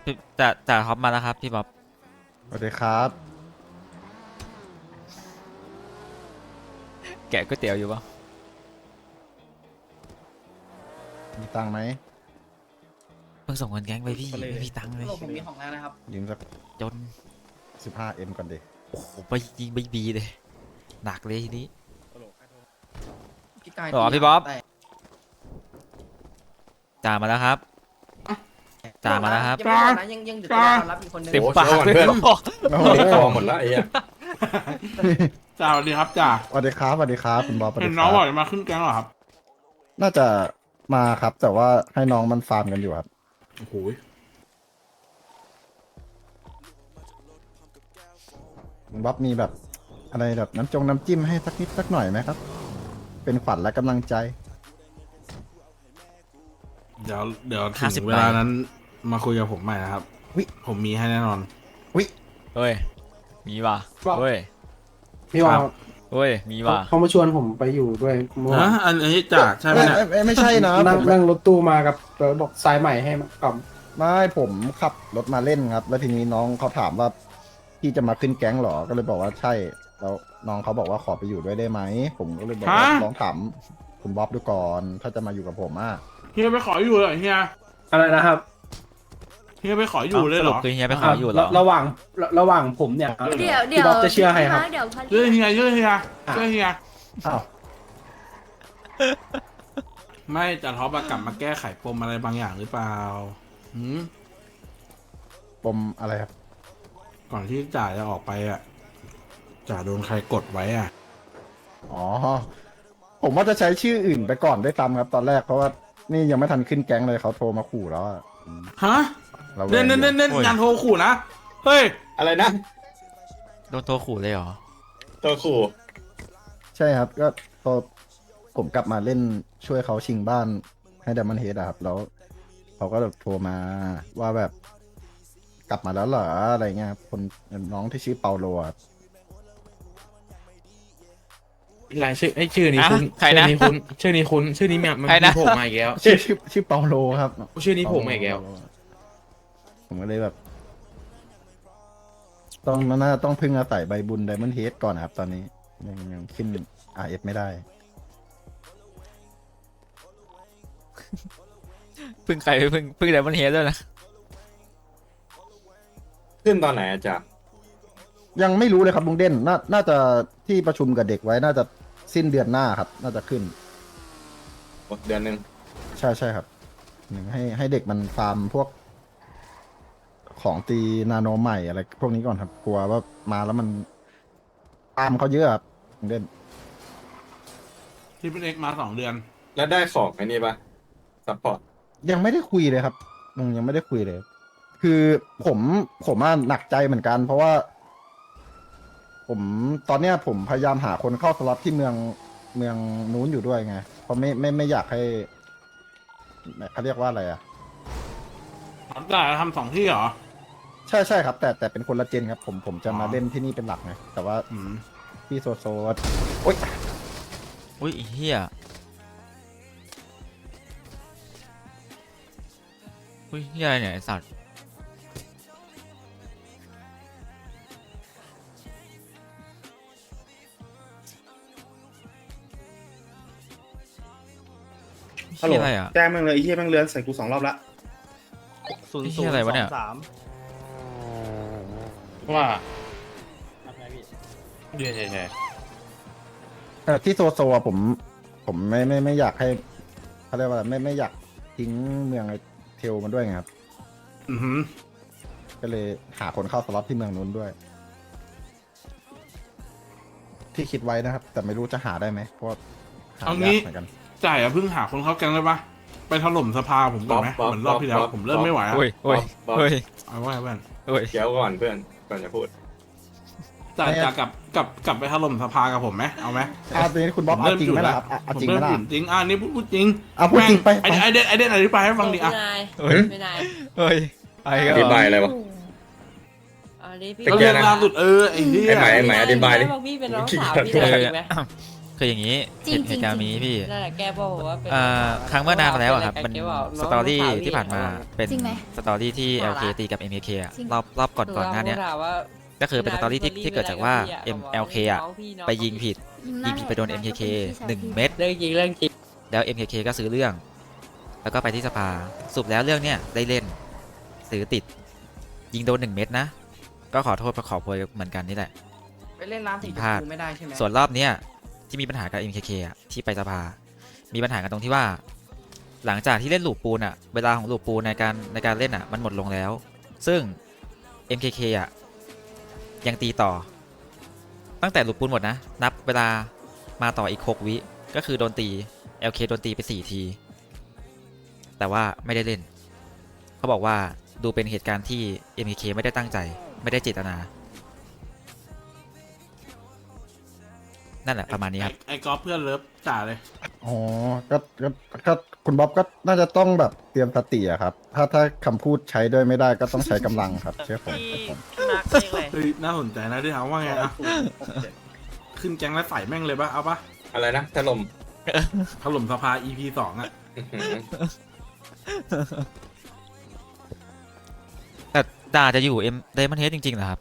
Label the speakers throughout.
Speaker 1: จ่าท็อปมาแล้วครับพี่บ๊อบ
Speaker 2: สวัสดีครับ
Speaker 1: แกะก๋วยเตี๋ยวอยู่ปะ
Speaker 2: มีตังค์ไหม
Speaker 1: เพิ่งส่งเงินแก๊งไปพี่ไม่มีตังค์เลย
Speaker 3: ผมมีของแล้วนะครับ
Speaker 2: ยืมสัก
Speaker 1: จน
Speaker 2: 15M ก่อนดิ
Speaker 1: โอ้โหไปยิงไปบีเลยหนักเลยทีนี้
Speaker 3: พี่กาย
Speaker 1: หรอพี่บ๊อบ จ่ามาแล้วครับจ่ามาแล้วครับ
Speaker 3: ยังไม่หมดนะยังเหลือตัวรับอีกคนนึง
Speaker 1: เต็มปาก
Speaker 4: โอ้
Speaker 1: เลย
Speaker 4: เพื่อน
Speaker 2: โอ้โห
Speaker 4: ติดคอหมดละไอ้เหี้ย
Speaker 5: จ่าสวัสดีครับจ่า
Speaker 2: สวัสดีครับสวัสดีครับคุณบอสสวัส
Speaker 5: เห็
Speaker 2: ดี
Speaker 5: น
Speaker 2: ค
Speaker 5: น้อง
Speaker 2: รั
Speaker 5: บอกจะมาขึ้นแก๊งเหรอครับ
Speaker 2: น่าจะมาครับ แต่ว่าให้น้องมันฟาร์มกันอยู่ครับ
Speaker 5: โอ้โห
Speaker 2: คุณบ๊อบมีแบบอะไรแบบน้ำจิ้มให้สักนิดสักหน่อยไหมครับ เป็นขวัญและกำลังใจ
Speaker 5: เดี๋ยวถึ
Speaker 1: 50
Speaker 5: งเวลานั้นมาคุยกับผมใหม่นะครับ
Speaker 2: วิ
Speaker 5: ผมมีให้แน่นอน
Speaker 1: เฮ้ยมีว่ะเฮ้ย
Speaker 6: พี่ว่า
Speaker 1: เฮ้ยมีว่ะ
Speaker 6: เขามาชวนผมไปอยู่ด้วยเมื่อวา
Speaker 5: ฮะ
Speaker 6: น
Speaker 5: อันนี้จ่าใช่ไหมเนี่ย
Speaker 2: ไม่ใช่นะ
Speaker 6: นั่ง
Speaker 2: ผม
Speaker 6: นั่งรถตู้มากับบอกสายใหม่ให้มากล่อม
Speaker 2: ไม่ผมขับรถมาเล่นครับ แล้วทีนี้น้องเขาถามว่าพี่จะมาขึ้นแก๊งเหรอ ก็เลยบอกว่าใช่ แล้วน้องเขาบอกว่าขอไปอยู่ด้วยได้ไหม ผมก็เลยบอกว่าลองถามคุณบ๊อบดูก่อน ถ้าจะมาอยู่กับผมอ่ะ
Speaker 5: เฮียไปขออยู่เลยเฮีย
Speaker 6: อะไรนะครับ
Speaker 5: เฮียไปขออยู่เลยเหรอ
Speaker 1: สปคือเฮียไปขออยู่เหรอ
Speaker 6: ระหว่างผมเนี่ย
Speaker 7: เดี๋ยว
Speaker 6: พี่บ๊อบจะเชื่อใครครับ
Speaker 7: เดี๋ยว
Speaker 5: เชื่อเฮียเชื่อเฮียเชื่อเฮีย
Speaker 2: อ้าว
Speaker 5: ไม่จ่าท็อปอะกลับมาแก้ไขปมอะไรบางอย่างหรือเปล่าหืม
Speaker 2: ปมอะไรครับ
Speaker 5: ก่อนที่จ่าจะออกไปอะจ่าโดนใครกดไว้อะ
Speaker 2: อ๋อ ผมว่าจะใช้ชื่ออื่นไปก่อนด้วยซ้ำครับ ตอนแรกเพราะว่านี่ยังไม่ทันขึ้นแก๊งเลยเขาโทรมาขู่แล้วอะ
Speaker 5: ฮะ
Speaker 2: ระแวง
Speaker 5: เน้น
Speaker 2: อยู่
Speaker 5: งานโทรขู่นะเฮ้ย
Speaker 4: อะไรนะ
Speaker 1: โดนตัวขู่เลยเหรอ
Speaker 4: ตัวขู่
Speaker 2: ใช่ครับ ก็พอผมกลับมาเล่นช่วยเขาชิงบ้านให้ดัมมันเฮดครับ แล้วเขาก็แบบโทรมาว่าแบบกลับมาแล้วเหรออะไรเงี้ยครับคนน้องที่ชื่อเปาโลอะ
Speaker 8: รายชื่อไอ้ชื่อนี้คุณ
Speaker 1: ใครนะ
Speaker 8: ชื่อนี้คุณชื่อนี้มัน
Speaker 1: ใครนะ
Speaker 8: โผล่มาอีกแล้ว
Speaker 2: ชื่อเปาโลครับ
Speaker 8: ชื่อนี้โผล่มาอีกแล้ว
Speaker 2: ผมก็เลยแบบ ต้องพึ่งอาศัยใบบุญไดมอนเฮดก่อนนะครับ ตอนนี้ยังขึ้น RF ไม่ได้
Speaker 1: พึ่งใครไปพึ่งไดมอนเฮดด้วยนะ
Speaker 4: ขึ้นตอนไหนอะจ๊ะ
Speaker 2: ยังไม่รู้เลยครับลุงเด่นน่าจะที่ประชุมกับเด็กไว้น่าจะสิ้นเดือนหน้าครับ น่าจะขึ้น
Speaker 4: เดือนหนึ่ง
Speaker 2: ใช่ครับหนึ่งให้เด็กมันฟาร์มพวก ของตีนาโนใหม่อะไรพวกนี้ก่อนครับ กลัวว่ามาแล้วมันตามเขาเยอะครับลุงเด่น
Speaker 5: ที่เป็นเอกมา2 เดือน
Speaker 4: แล้วได้ของไอ้นี่ปะซัพพอร์ต
Speaker 2: ยังไม่ได้คุยเลยครับยังไม่ได้คุยเลย คือผมหนักใจเหมือนกัน เพราะว่า ตอนเนี้ยผมพยายามหาคนเข้าสล็อตที่เมืองนู้นอยู่ด้วยไง เพราะไม่อยากให้เขาเรียกว่าอะไรอ่ะ
Speaker 5: จ่าทำ2 ที่เหรอ
Speaker 2: ใช่ครับ แต่เป็นคนละเจนครับ ผมจะมาเล่นที่นี่เป็นหลักไงแต่ว่า
Speaker 5: อืม
Speaker 2: พี่โซโอ๊ย
Speaker 1: อุ้ยไอ้เฮียอุ้ยเฮียอะไรเนี่ยไอ้สัตว์
Speaker 9: ฮัลโหล
Speaker 1: เฮียอะไรอ่ะ
Speaker 9: แจ้งแม่งเลยไอ้เหี้ยแม่งเลือนใส่กู2 รอบละ
Speaker 1: ไอ้เฮียอะไรวะเนี่ย
Speaker 8: ว่าเดี๋ยว
Speaker 2: ที่โซอะผมไม่อยากให้เขาเรียกว่าอะไรไม่อยากทิ้งเมืองไอเทลมันด้วยไงครับ
Speaker 5: อือหือ
Speaker 2: ก็เลยหาคนเข้าสล็อตที่เมืองนู้นด้วย ที่คิดไว้นะครับ แต่ไม่รู้จะหาได้ไหมเพราะว่าหายากเหมือนกัน
Speaker 5: จ่าอย่าเพิ่งหาคนเข้าแก๊งเลยปะไปถล่มสภาผมก่อนไหมเหมือนรอบที่แล้วผมเริ่มไม่ไหวอะ
Speaker 1: โอ้ยโอ้ย
Speaker 4: บ๊อบ
Speaker 1: โอ้ย
Speaker 5: เอาไว้เพื่อน
Speaker 1: โอ้ย
Speaker 4: เดี๋ยวก่อนเพื่อนก่อนจะพูด
Speaker 5: จ่ากลับไปถล่มสภากับผมไหมเอาไหม
Speaker 2: ตอนนี้คุณบ๊อบเอาจริงไหมล่ะครับเอา
Speaker 5: ผม
Speaker 2: จริงไหม
Speaker 5: เริ่ม
Speaker 2: ล่ะ
Speaker 5: หยุดจริงนี่พูดจริง
Speaker 2: เอาพูดจริงไป
Speaker 5: ไอเด่นอธิบายให้ฟังดิอ่ะ
Speaker 1: เฮ้ย
Speaker 7: ไม่ได้
Speaker 1: เฮ้ยไอ้ก็
Speaker 4: อธิบายอะไรวะ
Speaker 7: อันนี้พี่
Speaker 4: เป็น
Speaker 5: ก็
Speaker 4: แก
Speaker 5: เรื่อง
Speaker 4: นะ
Speaker 5: ล่าสุดไอ้ที่
Speaker 4: ไอ้ไหมอธิบายดิ
Speaker 7: บอกพี่เป็นน้องสาวพี่จะอีกไหม
Speaker 1: คืคืออย่างนี้
Speaker 7: จริง
Speaker 1: เหตุการณ์นี้พี่
Speaker 7: นั่นแหละแกบอกว่าเป็น
Speaker 1: ครั้งเมื่อนานมาแล้วอะครับมัน
Speaker 7: แกบอก
Speaker 1: สตอรี่ที่ผ่านมาเป็น
Speaker 7: จริงไหม
Speaker 1: สตอรี่ที่ LK ตีกับ MKK อะ
Speaker 7: จริง
Speaker 1: รอบก่อนหน้าเนี้ย
Speaker 7: ถามว่า
Speaker 1: ก็คือเป็นสตอรี่ที่เกิดจากว่า MLK อะไปยิงผิด ยิงผิดไปโดน MKK 1 เม็ด
Speaker 7: เรื่องจริงเรื่องจริง
Speaker 1: แล้ว MKK ก็ซื้อเรื่อง แล้วก็ไปที่สภาสรุปแล้วเรื่องเนี้ยได้เล่นซื้อติด ยิงโดน1 เม็ดนะ ก็ขอโทษขอโพยเหมือนกันนี่แหละ
Speaker 3: ไปเล่นน้ำสีชม
Speaker 1: พลาด
Speaker 3: พูไม่ได้ใช่ไหม
Speaker 1: ส่วนรอบเนี้ยที่มีปัญหากับ MKK อ่ะที่ไปสภา มีปัญหากันตรงที่ว่า หลังจากที่เล่นลูปปูนอ่ะเวลาของลูปปูนในการเล่นอ่ะมันหมดลงแล้ว ซึ่ง MKK อ่ะยังตีต่อ ตั้งแต่ลูปปูนหมดนะนับเวลามาต่ออีก6 วิก็คือโดนตี LK โดนตีไป4 ที แต่ว่าไม่ได้เล่น เขาบอกว่าดูเป็นเหตุการณ์ที่ MKK ไม่ได้ตั้งใจไม่ได้เจตนา นั่นแหละประมาณนี้ครับ
Speaker 5: ไอ้กอล์ฟเพื่อนเลิฟจ่าเลย
Speaker 2: อ๋อก็คุณบ๊อบก็น่าจะต้องแบบเตรียมสติอะครับ ถ้าคำพูดใช้ด้วยไม่ได้ก็ต้องใช้กำลังครับเชื่อผม
Speaker 5: เฮ้ยน่าสนใจนะที่ถามว่าไงอะขึ้นแก๊งแล้วใส่แม่งเลยปะเอาปะ
Speaker 4: อะไรนะถล่ม
Speaker 5: ถล่มสภา EP 2อะ
Speaker 4: อื้อหือ
Speaker 1: แต่ดาจะอยู่เดมอนเฮดจริงๆเหรอครับ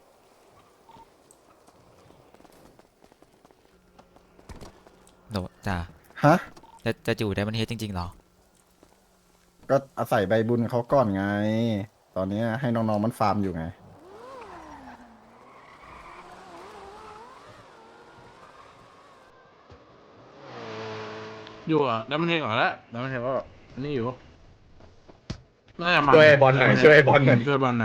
Speaker 1: โดจ่า
Speaker 2: ฮะ
Speaker 1: จะอยู่เดมอนเฮดจริงๆเหรอ
Speaker 2: ก็อาศัยใบบุญเขาก่อนไง ตอนนี้ให้น้องๆมันฟาร์มอยู่ไง
Speaker 5: อยู่อ่ะแล้วมันเห็นก่อนแล้วแล้วมันเห็นว่านี่อยู่น่าจะมา
Speaker 4: ช่วยบอลหน่อยช่วยบอลหน่อย
Speaker 5: ช่วยบอลหน่อย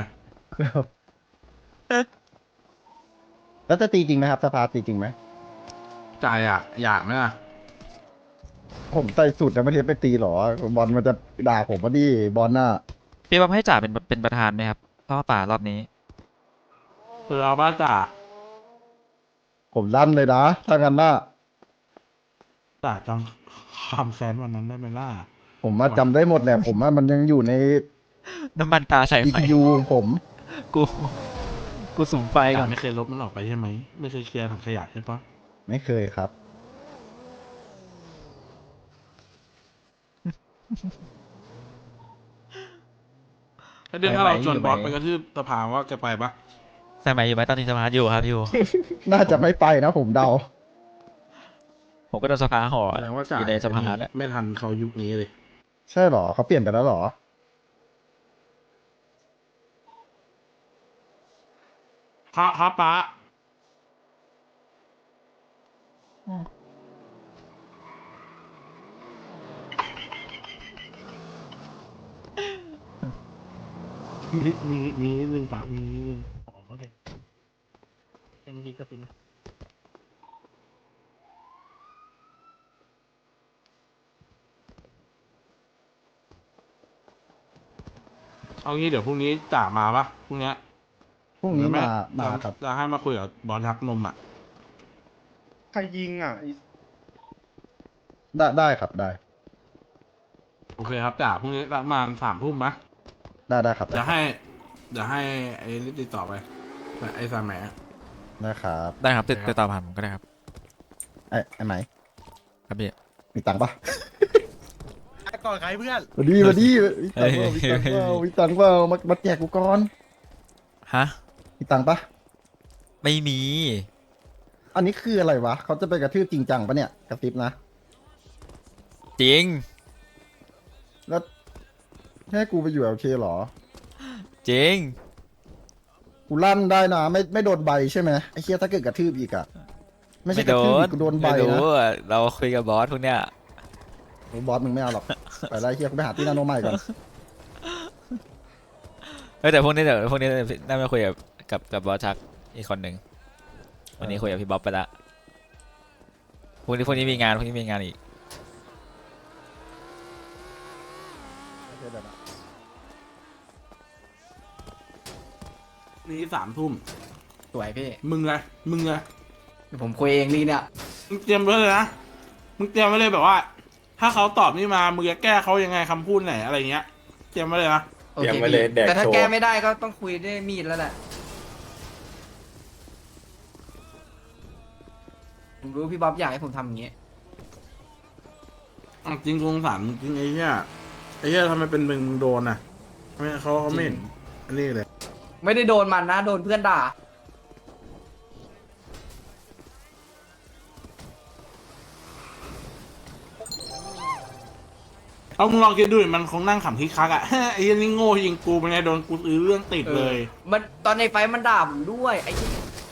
Speaker 2: แล้วจะตีจริงไหมครับสภาตีจริงไหม
Speaker 5: จ่ายอยากไหมล่ะ
Speaker 2: ผมใส่สูตรแล้วไม่เทไปตีหรอบอลมันจะด่าผมว่าดิบอลน่ะ
Speaker 1: พี่ว่าให้จ่าเป็นประธานไหมครับเพราะว่าป่ารอบนี้
Speaker 5: เอาป้าจ่า
Speaker 2: ผมลั่นเลยนะถ้างั้นน่ะ
Speaker 5: จ่าจังความแซนวันนั้นได้ไหมล่ะ
Speaker 2: ผมมาจำได้หมดแหละผมว่ามันยังอยู่ใน
Speaker 1: น้ำมันตาใส่ไฟ
Speaker 2: EPU ของผม
Speaker 1: กูสุ่มไฟก่
Speaker 5: จ่า
Speaker 1: อน
Speaker 5: ไม่เคยลบมันออกไปใช่ไหมไม่เคยเคลียร์ถังขยะใช่ปะ
Speaker 2: ไม่เคยครับ
Speaker 5: ถ้าเราชวนบอสไปกระทืบสภาว่าแกไปปะ
Speaker 1: ใส่ไหมอยู่ไหมตอนนี้สภาอยู่ครับอยู่
Speaker 2: น่าจะไม่ไปนะผมเดา
Speaker 1: ผมก็โดนสภาห่อ
Speaker 5: แสดงว่าจ่า
Speaker 1: อยู่ในสภาเนี่ย
Speaker 5: ไม่ทันเขายุคนี้เลย
Speaker 2: ใช่เหรอเขาเปลี่ยนไปแล้วเหรอ
Speaker 5: ครับป้ามีนิดนึงป้ามีนิดนึงอ๋อโอเคเมื่อกี้ก็เป็นเอางี้เดี๋ยวพรุ่งนี้จ่ามาปะพรุ่งเนี้ย
Speaker 2: พรุ่งนี้
Speaker 5: หรือไ
Speaker 2: มาครับ
Speaker 5: จะให้มาคุยกับบอลทักนมอ่ะ
Speaker 9: ใครยิงอ่ะ
Speaker 2: ได้ครับได้
Speaker 5: โอเคครับจ่าพรุ่งนี้ประมาณ3 ทุ่มนะ
Speaker 2: ได้ครับ
Speaker 5: เดี๋ยวให้ไอ้รีบติดต่อไปไอ้สามแหม
Speaker 2: ได้ครับ
Speaker 1: ได้ครับติดต่อผ่านผมก็ได้ครับ
Speaker 2: ไอ้ไหม
Speaker 1: ครับพี่
Speaker 2: มีตังค์ปะ
Speaker 8: ก่อนใครเพื่อน
Speaker 2: มาดีมีตังค์เปล่ามีตังค์เปล่ามาแจกกูก่อน
Speaker 1: ฮะ
Speaker 2: มีตังค์ปะ
Speaker 1: ไม่มี
Speaker 2: อันนี้คืออะไรวะเขาจะไปกระทืบจริงจังปะเนี่ยกระติบนะ
Speaker 1: จริง
Speaker 2: แล้วให้กูไปอยู่โอเคเหรอ
Speaker 1: จริง
Speaker 2: กูลั่นได้นะไม่โดนใบใช่ไหมไอ้เชี่ยถ้าเกิดกระทืบอีกอะไม่ใช่กระทืบอีกกูโดนใบ
Speaker 1: ไม่
Speaker 2: นะ
Speaker 1: รู้อะเราคุยกับบอสพวกเนี้ย
Speaker 2: โอ้บอสมึงไม่เอาหรอก ไปไล่เชี่ยกูไปหาที่นาโนใหม่ก่อน
Speaker 1: เฮ้ยแต่พวกนี้น่าจะคุยกับบอสชักอีกคนหนึ่งวันนี้คุยกับพี่บ๊อบไปละพวกนี้มีงานอีก
Speaker 5: นี่3 ทุ่ม
Speaker 3: สวยพี่
Speaker 5: มึงไง
Speaker 3: เดี๋ยวผมคุยเองลีเนี่ย
Speaker 5: มึงเตรียมไว้เลยนะมึงเตรียมไว้เลยแบบว่า ถ้าเขาตอบนี่มามึงจะแก้เขายังไงคำพูดไหนอะไรเงี้ยเตรียมไว้เลยนะ
Speaker 3: โอเค
Speaker 4: เตรียมไว้เลย
Speaker 3: พี่
Speaker 4: แดก
Speaker 3: แต่ถ้า
Speaker 4: โชว์
Speaker 3: แก้ไม่ได้ก็ต้องคุยด้วยมีดแล้วแหละผมรู้พี่บ๊อบอยากให้ผมทำอย่างงี้
Speaker 5: อ่ะจริงสงสารจริงไอ้เหี้ยทำไมเป็นมึงโดนอ่ะไม่เขาไม่เห็นอันนี้เลย
Speaker 3: ไม่ได้โดนมันนะโดนเพื่อนด่า
Speaker 5: เอามึงลองคิดดูดิมันคงนั่งขำคิกคักอ่ะ ไอ้เหี้ยนี่โง่ยิงกูเป็นไงโดนกูซื้อเรื่องติดเลย
Speaker 3: มันตอนในไฟท์มันด่าผมด้วยไอ้ที่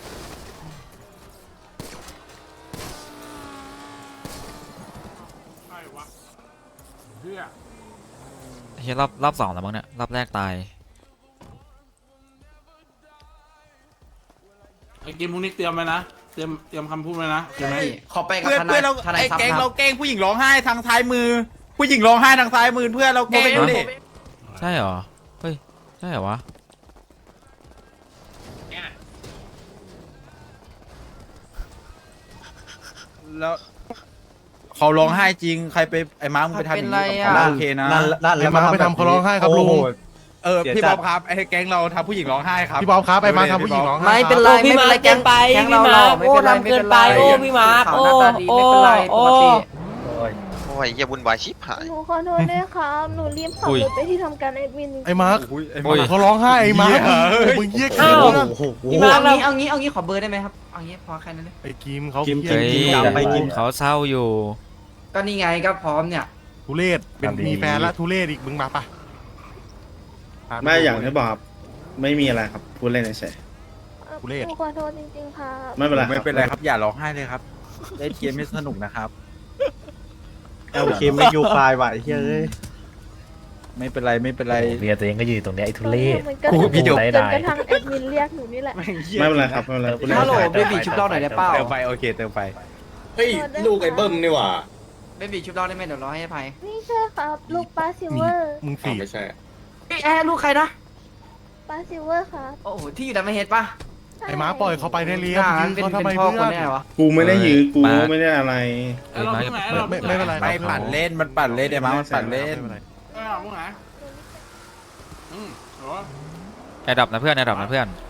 Speaker 5: ใช่วะเหี้ย
Speaker 1: เฮียรอบสองแล้วมั้งเนี่ยรอบแรกตาย
Speaker 5: ไอ้กิมพวกนี้เตรียมไว้นะเตรียมคำพูดไว้นะโอเคไหม
Speaker 3: ขอไปกับ
Speaker 8: เพื่อน
Speaker 3: ทนา
Speaker 8: เพื่อย นเรา
Speaker 3: ทนาย
Speaker 8: ไอ้
Speaker 3: ซับ
Speaker 8: แก๊ง
Speaker 3: ค
Speaker 8: เรา
Speaker 3: รับ
Speaker 8: แกล้งผู้หญิงร้องไห้ทางซ้ายมือ ผู้หญิงร้องไห้ทางซ้ายมือเพื่อนเราแกล้งดูดิ
Speaker 1: ใช่เหรอเฮ้ยใช่เหรอวะ
Speaker 8: แล้วเขาร้องไห้จริงใครไปไอ้ม้ามึงไปทำอย่างนี้กับเขาโอเคนะ
Speaker 9: ไอ้มาไปทำเขาร้องไห้ครับลุง
Speaker 8: พี่บ๊อบครับไอ้แก๊งเราทำผู้หญิงร้องไห้ครับ
Speaker 9: พี่บอมครับไอ้มาทำผู้หญิงร้องไห้
Speaker 3: ไม่เป็น
Speaker 9: ค
Speaker 3: ไร
Speaker 9: รับ
Speaker 7: พี่
Speaker 3: ไม่เป็นไร
Speaker 7: มาร์คเกินไป
Speaker 3: แก๊ง
Speaker 7: พี่
Speaker 3: เราหล่
Speaker 7: มา
Speaker 3: อ
Speaker 7: ร์ค
Speaker 3: ไม่
Speaker 7: โอ้
Speaker 3: เป็นไร
Speaker 7: ทำเกินไป
Speaker 3: ม่
Speaker 7: โอ้
Speaker 3: เป็นไร
Speaker 7: พี่มาร์ค
Speaker 3: ขาว
Speaker 7: โอ้
Speaker 3: หน้าตาดี
Speaker 7: โอ้
Speaker 3: ไม่เป็นไรป
Speaker 7: โอ้
Speaker 3: กติ
Speaker 10: โอ้ยอย่าวุ่นวายชิบหาย
Speaker 11: หนูขอโทษด้วยครับ หนูรีบขับรถไปที่ทำการแอดมิน
Speaker 9: ไอ้มาร์ค
Speaker 8: ไอ้
Speaker 1: โอ้ย
Speaker 9: เขาร้องไห้ไอ้มาร์คมึงเยี่ยกินแล้วนะ
Speaker 7: พี่มาร์คเรา
Speaker 3: เอางี้ขอเบอร์ได้ไหมครับเอางี้พอแค่นั้นเลย
Speaker 9: ไอ้กิมเขา
Speaker 1: เฮ้ย
Speaker 9: ไปกิน
Speaker 1: เขาเศร้าอยู่
Speaker 3: ก็นี่ไงก็พร้อมเนี่ย
Speaker 9: ทุเรศเป็นมีแฟนละทุเรศอีกมึงมาปะ
Speaker 12: ไม่อย่างที่บอกครับไม่มีอะไรครับพูดเล่นเฉย
Speaker 9: ทุเรศ
Speaker 11: หนูขอโทษจริงๆค่ะ
Speaker 12: ๆไม่เป็นไร
Speaker 8: ไม่เป็นไรครับอย่าร้องไห้เลยครับได้เกมไม่สนุกนะครับ
Speaker 12: โอเคไม่ยูไฟล์ว่ะไอ้เฮ้ย
Speaker 8: ไม่เป็นไรไม่เป็นไร
Speaker 10: เมียตัวเองก็ยืนตรงเนี้ยไอ้ทุเรศ
Speaker 11: มันก็
Speaker 8: กูพี่เดี๋ยว
Speaker 11: จนกระทั่งแอดมินเรียกหนูนี่แหละ
Speaker 12: ไม่เป็นไรครับไม่เป็นไรพูดเล่น
Speaker 3: ฮัลโหล
Speaker 12: เฉย
Speaker 3: เบบีชุบเราหน่อยได้เปล่า
Speaker 8: เติมไปโอเคเติมไป
Speaker 4: เฮ้ย ลูกไอ้เบิ้มนี่หว่า
Speaker 3: เบบีชุบเราได้ไหมเดี๋ยวเราให้อภัย
Speaker 11: นี่ใช่ครับ ลูกป้าซิลเวอร์
Speaker 9: มึง
Speaker 4: อ้าว
Speaker 9: สี่
Speaker 4: ไม่ใช่
Speaker 3: แอร์ลูกใครนะ
Speaker 11: ป้าซิลเวอร์ครับ
Speaker 3: โอ้โหที่อยู่ดัมเบลเฮดป่ะ
Speaker 9: ไอ้มาร์คปล่อยเขาไปได้เลี้ย
Speaker 3: อ่า
Speaker 9: ยื้อ
Speaker 3: เป็น
Speaker 9: เขาทำไม
Speaker 3: พ่อ
Speaker 9: เพื่
Speaker 3: ค
Speaker 9: อน น
Speaker 3: แน่วะ
Speaker 12: กูไม่ได้ยื้อกู
Speaker 1: มา
Speaker 12: ไม่ได้อะไร
Speaker 5: ไอ้เราพวกไหนเรา
Speaker 9: ไม่เป็นไร
Speaker 8: ไม่ปั่นเล่นมันปั่นเล่นไอ้ม้ามันปั่นเล่น
Speaker 5: ไอ้เราพวกไหนเหรอ
Speaker 1: แอดดับนะเพื่อนแอดดับนะเพื่อน